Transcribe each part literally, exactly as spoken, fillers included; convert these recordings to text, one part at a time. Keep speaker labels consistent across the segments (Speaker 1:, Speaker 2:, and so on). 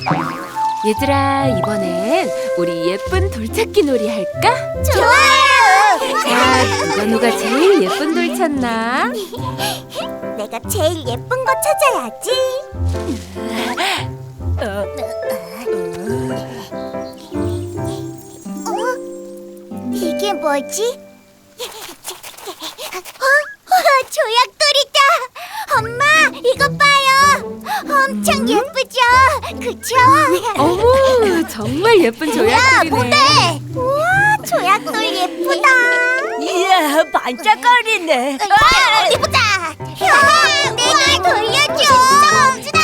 Speaker 1: 얘들아, 이번엔 우리 예쁜 돌찾기 놀이 할까?
Speaker 2: 좋아요!
Speaker 1: 자, 누가 누가 제일 예쁜 돌 찾나?
Speaker 2: 내가 제일 예쁜 거 찾아야지. 어? 이게 뭐지? 어? 조약돌이다! 엄마, 이거 봐요! 엄청 예쁘죠? 그쵸?
Speaker 1: 어머, 정말 예쁜 조약돌이네.
Speaker 2: 우와, 조약돌 예쁘다!
Speaker 3: 이야, 반짝거리네.
Speaker 2: 아, 어디 보자! 형, 내가 돌려줘! 진짜 멋지다!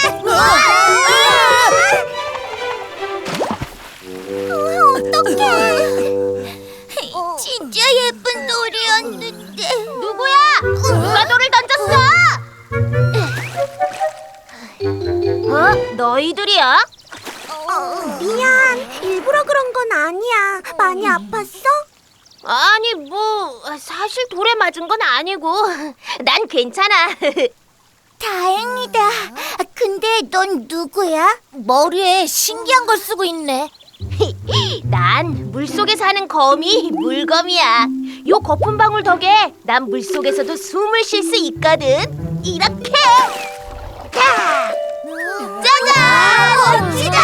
Speaker 2: 어떡해! 진짜 예쁜 돌이었는데. 누구야? 누가 돌을 던졌어? 어? 너희들이야? 어, 미안. 일부러 그런 건 아니야. 많이 아팠어?
Speaker 4: 아니 뭐 사실 돌에 맞은 건 아니고 난 괜찮아.
Speaker 2: 다행이다. 근데 넌 누구야? 머리에 신기한 걸 쓰고 있네.
Speaker 4: 난 물속에 사는 거미 물거미야. 요 거품 방울 덕에 난 물속에서도 숨을 쉴 수 있거든. 이렇게 자, 짜잔!
Speaker 2: 멋지다!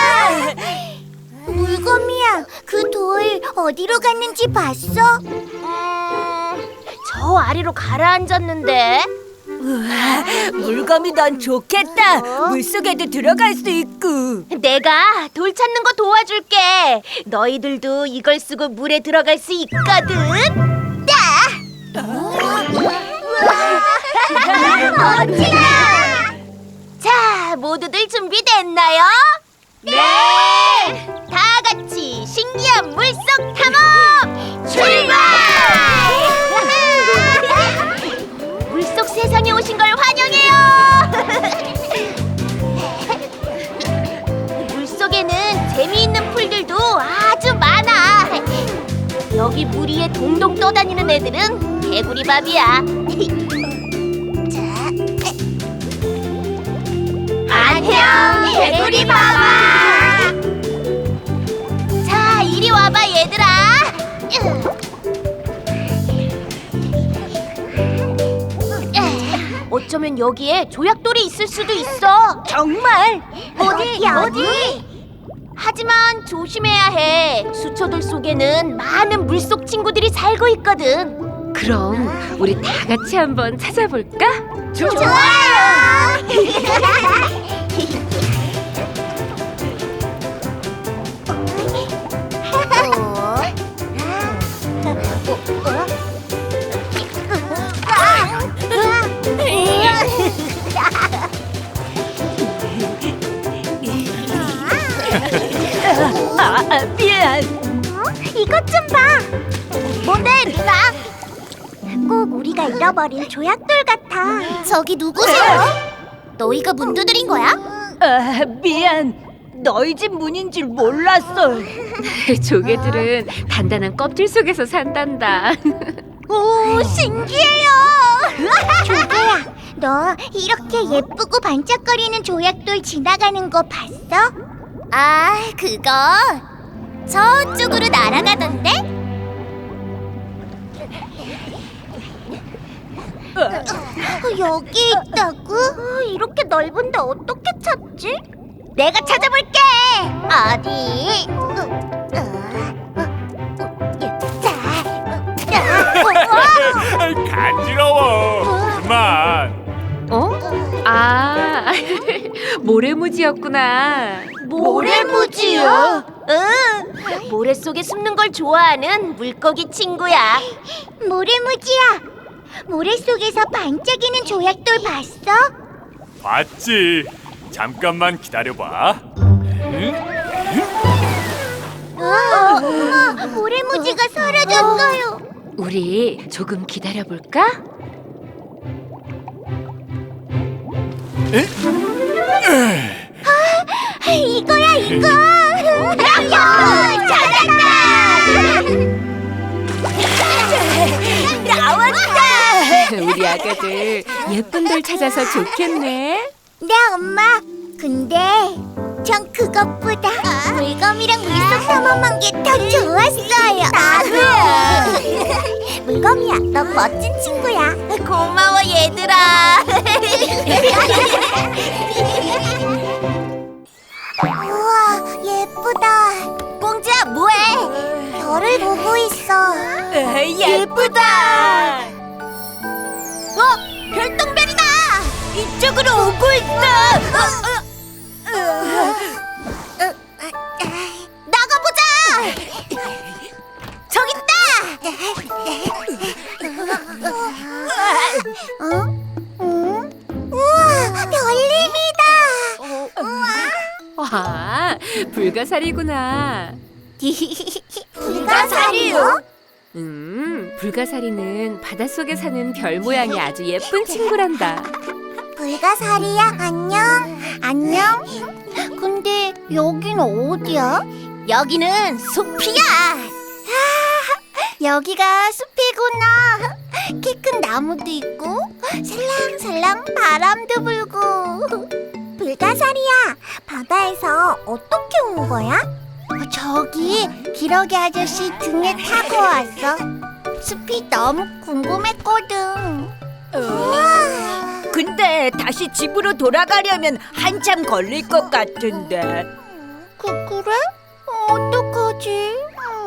Speaker 2: 물거미야, 그 돌 어디로 갔는지 봤어?
Speaker 4: 음, 저 아래로 가라앉았는데.
Speaker 3: 우와, 물건이 넌 좋겠다. 물속에도 들어갈 수 있고.
Speaker 4: 내가 돌 찾는 거 도와줄게. 너희들도 이걸 쓰고 물에 들어갈 수 있거든.
Speaker 2: 멋지다!
Speaker 4: 자, 모두들 준비됐나요? 네! 다 같이 신기한 물속 탐험 출발! 물속 세상에 오신 걸 환영해요! 물속에는 재미있는 풀들도 아주 많아. 여기 물 위에 동동 떠다니는 애들은 개구리밥이야. 안녕, 개구리밥아! 자, 이리 와봐, 얘들아. 어쩌면 여기에 조약돌이 있을 수도 있어.
Speaker 3: 정말?
Speaker 4: 어디, 어디? 하지만 조심해야 해. 수초들 속에는 많은 물속 친구들이 살고 있거든.
Speaker 1: 그럼 우리 다 같이 한번 찾아볼까?
Speaker 2: 좋아요!
Speaker 3: 아, 아, 미안.
Speaker 2: 이것 좀 봐. 뭔데, 누나? 꼭 우리가 잃어버린 조약돌 같아. 저기 누구세요? 너희가 문 두드린 거야?
Speaker 3: 아, 미안. 너희 집 문인 줄 몰랐어.
Speaker 1: 조개들은 단단한 껍질 속에서 산단다.
Speaker 2: 오, 신기해요. 조개야, 너 이렇게 예쁘고 반짝거리는 조약돌 지나가는 거 봤어? 아, 그거 저쪽으로 날아가던데? 어, 여기 있다고? 이렇게 넓은데 어떻게 찾지? 내가 찾아볼게. 어디?
Speaker 5: 간지러워. 그만.
Speaker 1: 어? 아, 모래무지였구나.
Speaker 4: 모래무지요? 응, 모래 속에 숨는 걸 좋아하는 물고기 친구야.
Speaker 2: 모래무지야, 모래 속에서 반짝이는 조약돌 봤어?
Speaker 5: 봤지. 잠깐만 기다려봐.
Speaker 2: 어, 어머, 모래무지가 사라졌어요.
Speaker 1: 우리 조금 기다려볼까?
Speaker 2: 아, 이거야, 이거. 찾았다.
Speaker 3: 나왔다.
Speaker 1: 우리 아가들 예쁜 돌 찾아서 좋겠네.
Speaker 2: 네, 엄마. 근데 전 그것보다 물검이랑 물속 탐험한 게 더 좋았어요. 나도요. 물검이야, 너 멋진 친구야.
Speaker 4: 고마워 얘들아.
Speaker 2: 우와, 예쁘다.
Speaker 4: 공주야 뭐해?
Speaker 2: 별을 보고 있어.
Speaker 3: 예쁘다.
Speaker 4: 어? 별똥별이다. 이쪽으로 오고 있다. 나가보자. 저기 있다.
Speaker 2: 어? 응? 우와, 별님이다.
Speaker 1: 와, 불가사리구나.
Speaker 2: 불가사리요?
Speaker 1: 음, 불가사리는 바닷속에 사는 별 모양이 아주 예쁜 친구란다.
Speaker 2: 불가사리야, 안녕. 안녕. 근데 여긴 어디야?
Speaker 4: 여기는 숲이야.
Speaker 2: 여기가 숲이구나. 키 큰 나무도 있고 살랑살랑 바람도 불고. 불가사리야, 바다에서 어떻게 온 거야? 저기 기러기 아저씨 등에 타고 왔어. 숲이 너무 궁금했거든. 우와.
Speaker 3: 근데 다시 집으로 돌아가려면 한참 걸릴 것 같은데.
Speaker 2: 그, 그래? 어떡하지?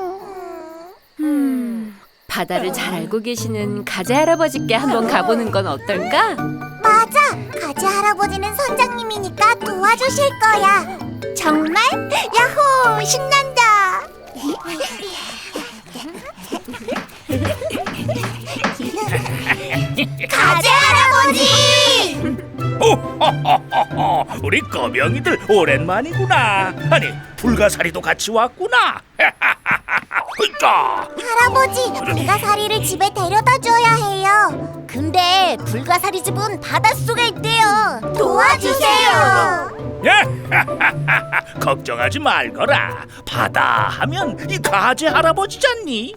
Speaker 1: 음, 바다를 잘 알고 계시는 가재 할아버지께 한번 가보는 건 어떨까?
Speaker 2: 맞아! 가지 할아버지는 선장님이니까 도와주실 거야. 정말? 야호! 신난다! 가지 할아버지!
Speaker 6: 오호호호호, 우리 거명이들 오랜만이구나. 아니 불가사리도 같이 왔구나. 으짜.
Speaker 2: 할아버지, 불가사리를 집에 데려다 줘야 해요.
Speaker 4: 근데 불가사리 집은 바닷속에 있대요.
Speaker 2: 도와주세요.
Speaker 6: 걱정하지 말거라. 바다 하면 이 가재 할아버지잖니.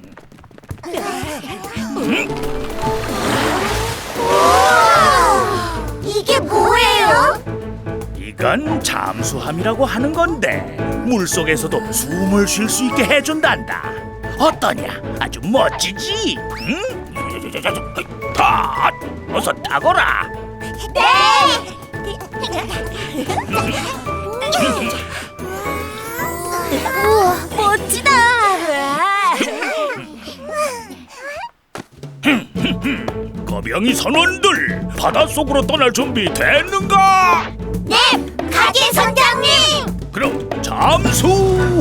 Speaker 2: 이게 뭐예요?
Speaker 6: 이건 잠수함이라고 하는 건데 물속에서도 숨을 쉴 수 있게 해준단다. 어떠냐? 아주 멋지지? 응? 다 어서 타거라.
Speaker 2: 우와, 멋지다.
Speaker 6: 거병이 선원들 바닷속으로 떠날 준비 됐는가?
Speaker 2: 네, 가게 선장님.
Speaker 6: 그럼 잠수!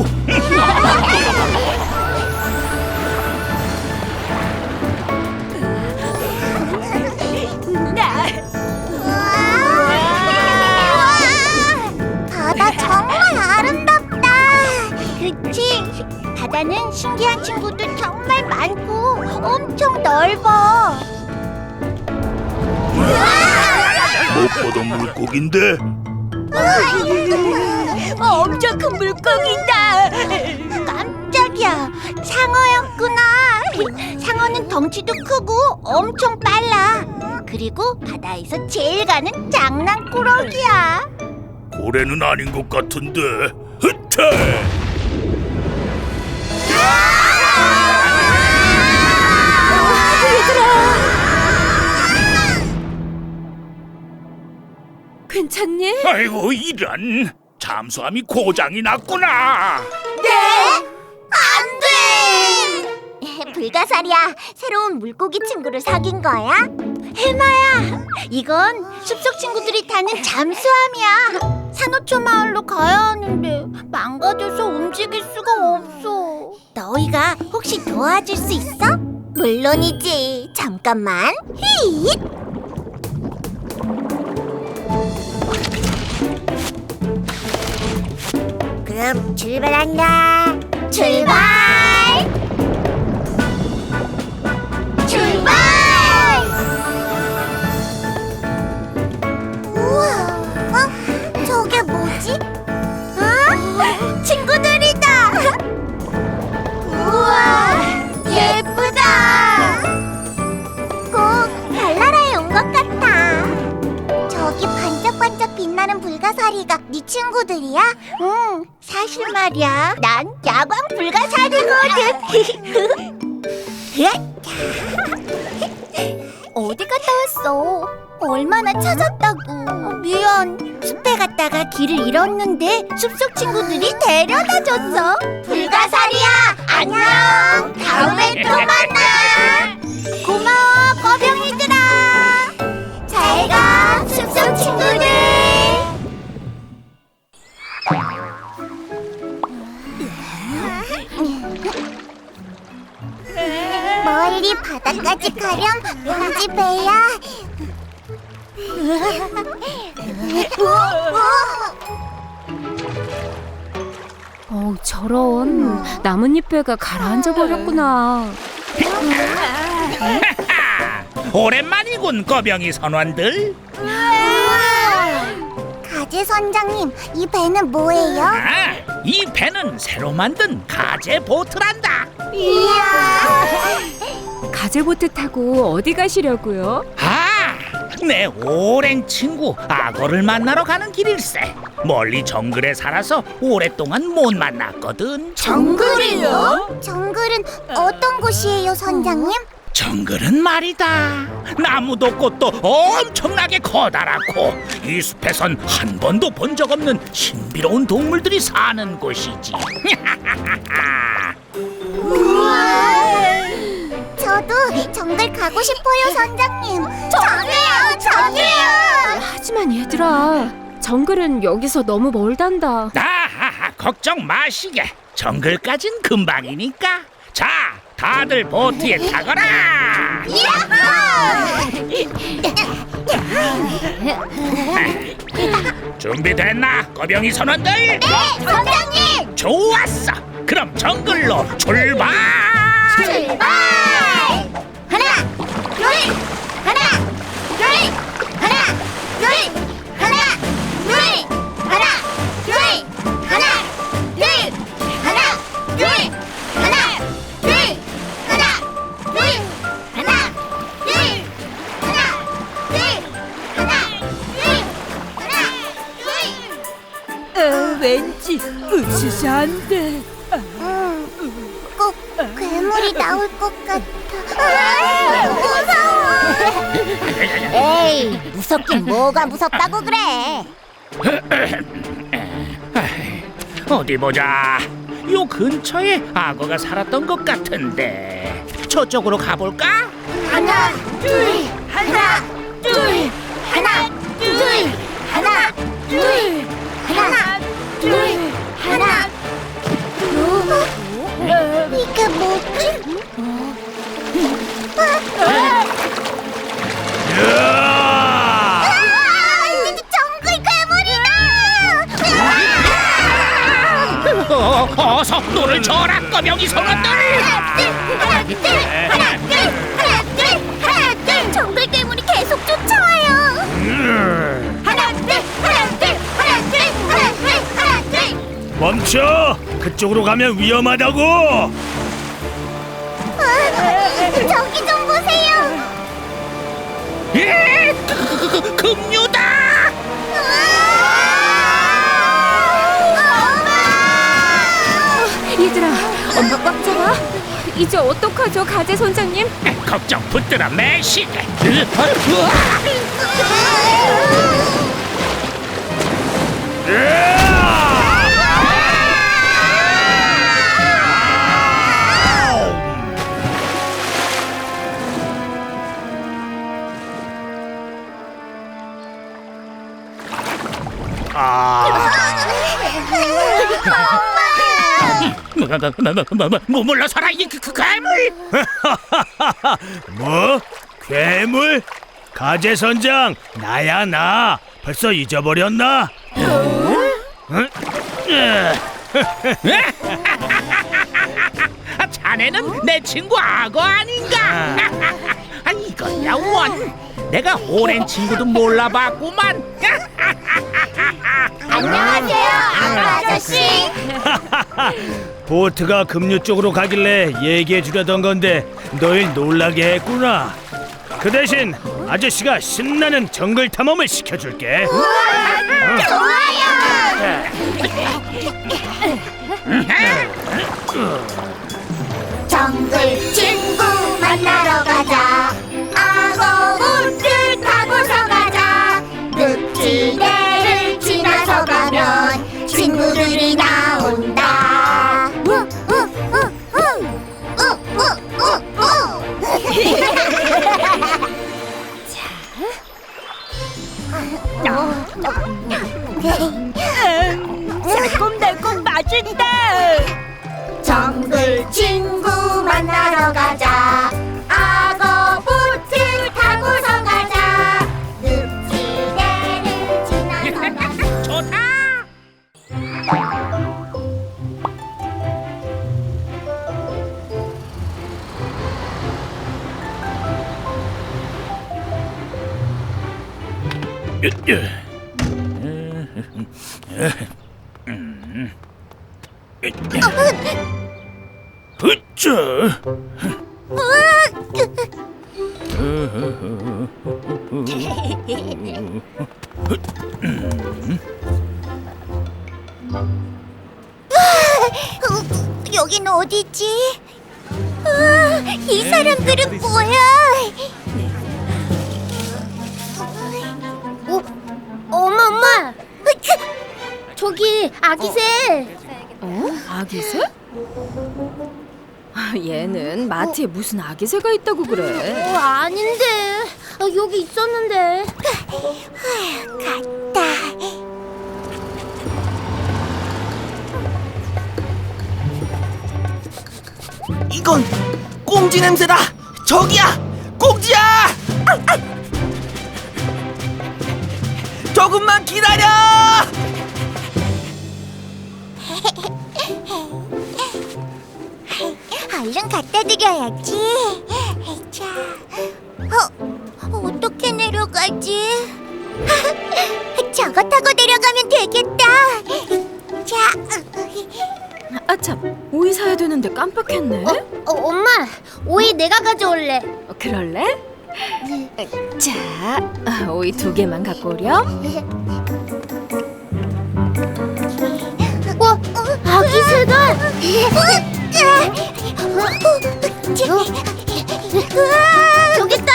Speaker 2: 바다 정말 아름답다. 그치? 바다는 신기한 친구들 정말 많고 엄청 넓어.
Speaker 6: 못 보던 물고기인데
Speaker 3: 엄청 큰 물고기다.
Speaker 2: 깜짝이야, 상어였구나. 상어는 덩치도 크고 엄청 빨라. 그리고 바다에서 제일 가는 장난꾸러기야.
Speaker 6: 고래는 아닌 것 같은데. 흐태!
Speaker 1: 괜찮니?
Speaker 6: 아이고 이런, 잠수함이 고장이 났구나.
Speaker 2: 네? 안 돼! 불가사리야, 새로운 물고기 친구를 사귄 거야? 해마야, 이건 숲속 친구들이 타는 잠수함이야. 산호초 마을로 가야 하는데 망가져서 움직일 수가 없어. 너희가 혹시 도와줄 수 있어? 물론이지. 잠깐만. 휘잇! 그럼 출발한다. 출발! 출발! 우와, 어? 저게 뭐지? 어? 친구들이다! 우와, 예쁘다! 꼭 별나라에 온 것 같아. 저기 반짝반짝 빛나는 불가사리가 네 친구 친구들이야? 응, 사실 말이야. 난 야광 불가사리거든. 어디 갔다 왔어? 얼마나 찾았다고. 미안. 숲에 갔다가 길을 잃었는데 숲속 친구들이 데려다줬어. 불가사리야, 안녕. 다음에 또 만나. 고마워, 꺼병이들아. 잘 가, 숲속 친구들. 멀리 바다까지 가렴, 용지 배야.
Speaker 1: 어, 저런 나뭇잎배가 가라앉아 버렸구나.
Speaker 6: 오랜만이군, 거병이 선원들.
Speaker 2: 가재 선장님, 이 배는 뭐예요?
Speaker 6: 아, 이 배는 새로 만든 가재 보트란다.
Speaker 2: 이야.
Speaker 1: 가재보트 타고 어디 가시려고요?
Speaker 6: 아, 내 오랜 친구 악어를 만나러 가는 길일세. 멀리 정글에 살아서 오랫동안 못 만났거든.
Speaker 2: 정글이요? 정글은 어떤 곳이에요, 선장님?
Speaker 6: 정글은 말이다, 나무도 꽃도 엄청나게 커다랗고 이 숲에선 한 번도 본 적 없는 신비로운 동물들이 사는 곳이지.
Speaker 2: 저도 정글 가고 싶어요, 선장님. 저도요, 저도요.
Speaker 1: 하지만 얘들아, 정글은 여기서 너무 멀단다.
Speaker 6: 아하하, 걱정 마시게. 정글까진 금방이니까. 자, 다들 보트에 타거라. 준비됐나, 거병이 선원들?
Speaker 2: 네, 선장님.
Speaker 6: 좋았어. 그럼 정글로 출발.
Speaker 2: 출발! 하나, 둘, 하나, 둘, 하나, 둘, 하나, 둘, 하나, 둘, 하나, 둘, 하나, 둘, 하나, 둘, 하나, 둘, 하나, 둘, 하나, 둘, 하나, 둘, 하나, 둘.
Speaker 3: 어, 왠지 으스스한데.
Speaker 2: 응, 꼭 괴물이 나올 것 같아. 아, 무서워. 에이, 무섭긴 뭐가 무섭다고 그래.
Speaker 6: 어디 보자. 요 근처에 악어가 살았던 것 같은데 저쪽으로 가볼까?
Speaker 2: 하나, 둘, 하나, 둘, 하나, 둘, 하나, 둘, 하나, 둘, 하나. 어? 이게 뭐지? 아, 정글 괴물이다!
Speaker 6: 어, 어서 노를 저어라, 거명이 선원들.
Speaker 2: 하나, 둘, 하나, 둘, 하나, 둘, 하나, 둘, 하나, 둘. 정글 괴물이 계속 쫓아와요. 하나, 둘, 하나, 둘, 하나, 둘, 하나, 둘, 하나, 둘.
Speaker 5: 멈춰! 그쪽으로 가면 위험하다고!
Speaker 2: 아, 저기 좀 보세요.
Speaker 6: 예, 그, 그, 그, 금류다.
Speaker 1: 얘들아, 엄마 꽉 잡아. 이제 어떡하죠, 가재 선장님?
Speaker 6: 걱정 붙들어 매시게. 뭐 물러서라, 이 그, 그 괴물.
Speaker 5: 뭐? 괴물? 가재 선장, 나야 나. 벌써 잊어버렸나? 응?
Speaker 6: 자네는 내 친구 악어 아닌가? 아, 이거야 원. 내가 오랜 친구도 몰라봤구만.
Speaker 2: 안녕하세요, 악어 아저씨.
Speaker 5: 보트가 급류 쪽으로 가길래 얘기해 주려던 건데 널 놀라게 했구나. 그 대신 아저씨가 신나는 정글 탐험을 시켜줄게.
Speaker 2: 우와, 정글 친구 만나러 가자. 악어 보트 타고서 가자. 늪지대를 지나서 가면 친구들이 나온다.
Speaker 3: 달콤달콤 맛있다.
Speaker 2: 정글 친구 만나러 가자. 악어 보트 타고서 가자. 늪지대를 지나서 가자.
Speaker 6: 으쌰.
Speaker 2: 여긴 어디지? 아, 이 사람들은 뭐야?
Speaker 4: 어? 엄마 엄마 저기 아기새.
Speaker 1: 어? 아기새? 아, 얘는 마트에 무슨 아기새가 있다고 그래?
Speaker 4: 어, 아닌데 아, 여기 있었는데.
Speaker 2: 갔다.
Speaker 7: 이건 꽁지 냄새다. 저기야, 꽁지야. 조금만 기다려.
Speaker 2: 얼른 갖다 드려야지. 자, 어, 어떻게 내려가지? 저거 타고 내려가면 되겠다. 자,
Speaker 1: 아참, 오이 사야 되는데 깜빡했네.
Speaker 4: 어, 어, 엄마 오이 내가 가져올래.
Speaker 1: 어, 그럴래? 자, 아, 오이 두 개만 갖고 오렴.
Speaker 4: 어? 아기새다. 저기 있다.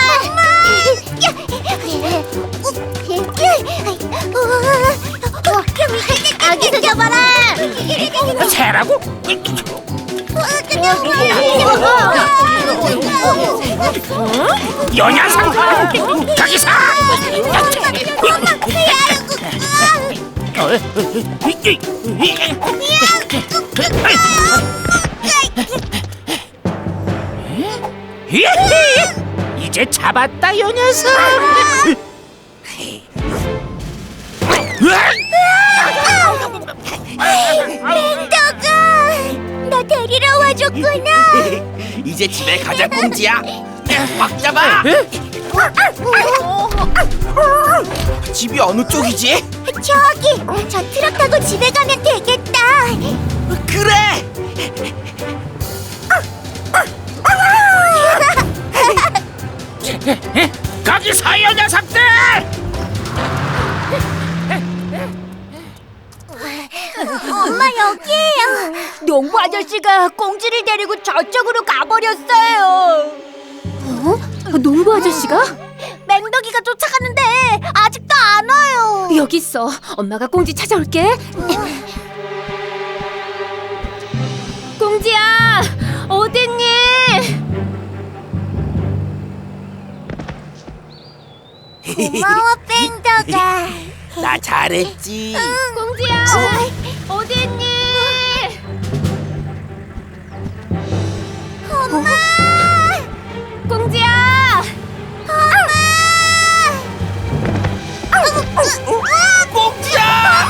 Speaker 4: 아기새 잡아라.
Speaker 6: 새라고? 여 녀석! 거기서! 이제 잡았다, 여 녀석!
Speaker 2: 맹덕아, 나 데리러 와줬구나.
Speaker 7: 이제 집에 가자, 꽁지야. 꽉 잡아. 집이 어느 쪽이지?
Speaker 2: 저기, 저 트럭 타고 집에 가면 되겠다.
Speaker 7: 그래.
Speaker 6: 거기서, 여 녀석들!
Speaker 2: 엄마 여기에요.
Speaker 3: 농부 아저씨가 꽁지를 데리고 저쪽으로 가버렸어요.
Speaker 1: 어? 농부 아저씨가?
Speaker 2: 맹덕이가 쫓아가는데 아직도 안 와요.
Speaker 1: 여기 있어. 엄마가 꽁지 찾아올게. 꽁지야, 어딨니?
Speaker 2: 고마워 맹덕아.
Speaker 7: 나 잘했지.
Speaker 1: 꽁지야, 어디 있니?
Speaker 2: 엄마.
Speaker 1: 꽁지야,
Speaker 7: 꽁지야.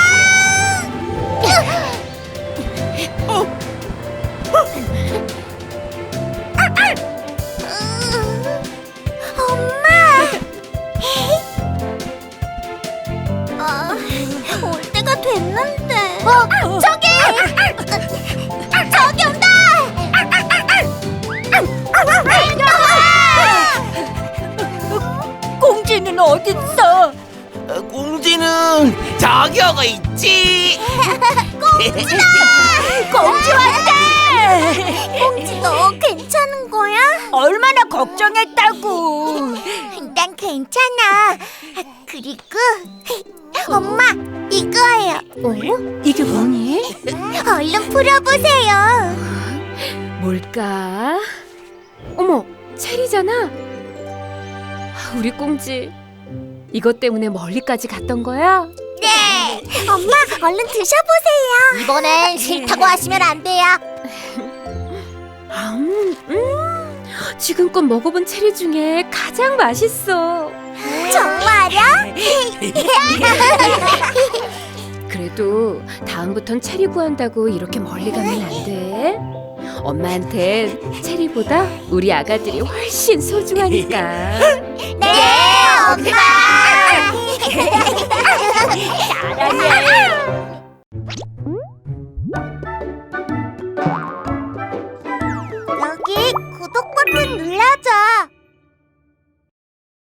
Speaker 2: 올 때가 됐는데. 어, 저기! 저기 온다!
Speaker 3: 꽁지는 어딨어?
Speaker 7: 어, 꽁지는 저기 오고 있지.
Speaker 2: 공주 왔다! 공주 너 괜찮은 거야?
Speaker 3: 얼마나 걱정했다고.
Speaker 2: 난 괜찮아. 그리고 엄마 이거예요.
Speaker 1: 어? 이게 뭐니?
Speaker 2: 얼른 풀어보세요.
Speaker 1: 뭘까? 어머, 체리잖아. 우리 꽁지 이것 때문에 멀리까지 갔던 거야?
Speaker 2: 네. 엄마 얼른 드셔보세요. 이번엔 싫다고 하시면 안 돼요.
Speaker 1: 음, 음, 지금껏 먹어본 체리 중에 가장 맛있어.
Speaker 2: 정말요?
Speaker 1: 그래도 다음부턴 체리 구한다고 이렇게 멀리 가면 안 돼. 엄마한텐 체리보다 우리 아가들이 훨씬 소중하니까.
Speaker 2: 네, 엄마.
Speaker 3: 잘하네.